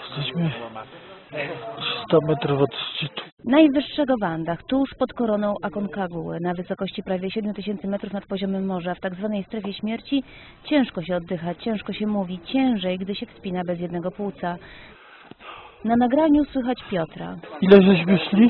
Jesteśmy 300 metrów od szczytu. Najwyższego w Andach, tuż pod koroną Aconcagua, na wysokości prawie 7000 metrów nad poziomem morza, w tak zwanej strefie śmierci, ciężko się oddycha, ciężko się mówi, ciężej, gdy się wspina bez jednego płuca. Na nagraniu słychać Piotra. Ile żeśmy szli?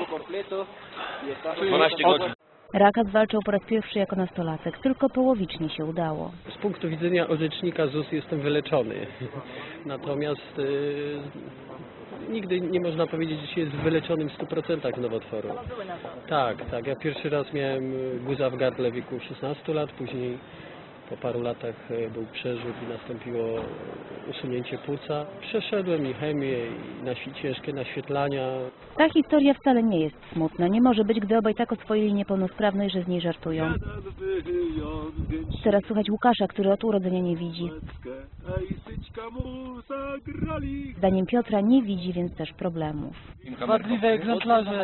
12 godzin. Rakas walczył po raz pierwszy jako nastolatek, tylko połowicznie się udało. Z punktu widzenia orzecznika ZUS jestem wyleczony, natomiast nigdy nie można powiedzieć, że się jest wyleczonym w 100% z nowotworu. Tak, ja pierwszy raz miałem guza w gardle w wieku 16 lat, później po paru latach był przerzut i nastąpiło usunięcie płuca. Przeszedłem i chemię, i ciężkie naświetlania. Ta historia wcale nie jest smutna. Nie może być, gdy obaj tak oswoili niepełnosprawność, że z niej żartują. Teraz słuchać Łukasza, który od urodzenia nie widzi. Zdaniem Piotra nie widzi, więc też problemów. Wadliwe egzemplarze.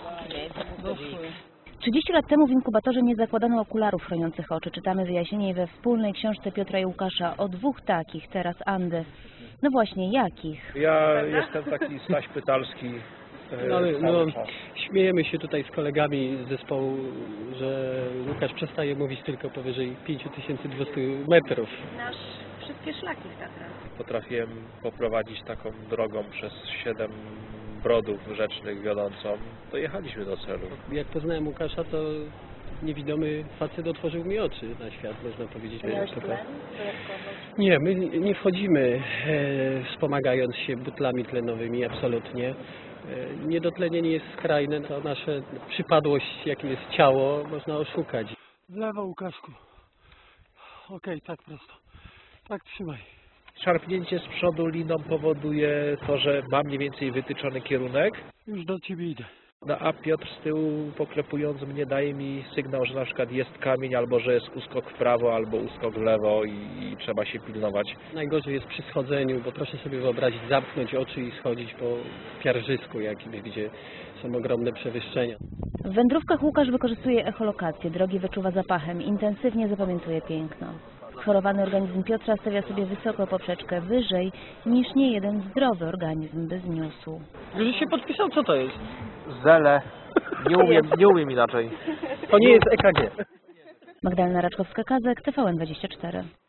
30 lat temu w inkubatorze nie zakładano okularów chroniących oczy. Czytamy wyjaśnienie we wspólnej książce Piotra i Łukasza o dwóch takich, teraz Andy. No właśnie, jakich? Ja jestem taki Staś Pytalski. Śmiejemy się tutaj z kolegami z zespołu, że Łukasz przestaje mówić tylko powyżej 5200 metrów. Nasz wszystkie szlaki w Tatrach. Potrafiłem poprowadzić taką drogą przez 7 brodów rzecznych wiodącą. Dojechaliśmy do celu. Jak poznałem Łukasza, to niewidomy facet otworzył mi oczy na świat, można powiedzieć. Nie, my nie wchodzimy wspomagając się butlami tlenowymi, absolutnie. Niedotlenienie jest skrajne, to nasza przypadłość, jakim jest ciało, można oszukać. W lewo, Łukaszku. Okej, tak prosto. Tak trzymaj. Szarpnięcie z przodu liną powoduje to, że mam mniej więcej wytyczony kierunek. Już do ciebie idę. No, a Piotr z tyłu, poklepując mnie, daje mi sygnał, że na przykład jest kamień, albo że jest uskok w prawo, albo uskok w lewo i trzeba się pilnować. Najgorzej jest przy schodzeniu, bo proszę sobie wyobrazić, zamknąć oczy i schodzić po piarżysku jakimś, gdzie są ogromne przewyższenia. W wędrówkach Łukasz wykorzystuje echolokację, drogi wyczuwa zapachem, intensywnie zapamiętuje piękno. Schorowany organizm Piotra stawia sobie wysoko poprzeczkę wyżej niż niejeden zdrowy organizm by zniósł. Już się podpisał, co to jest? Zele. Nie umiem inaczej. To nie jest EKG. Magdalena Raczkowska-Kazek, TVN24.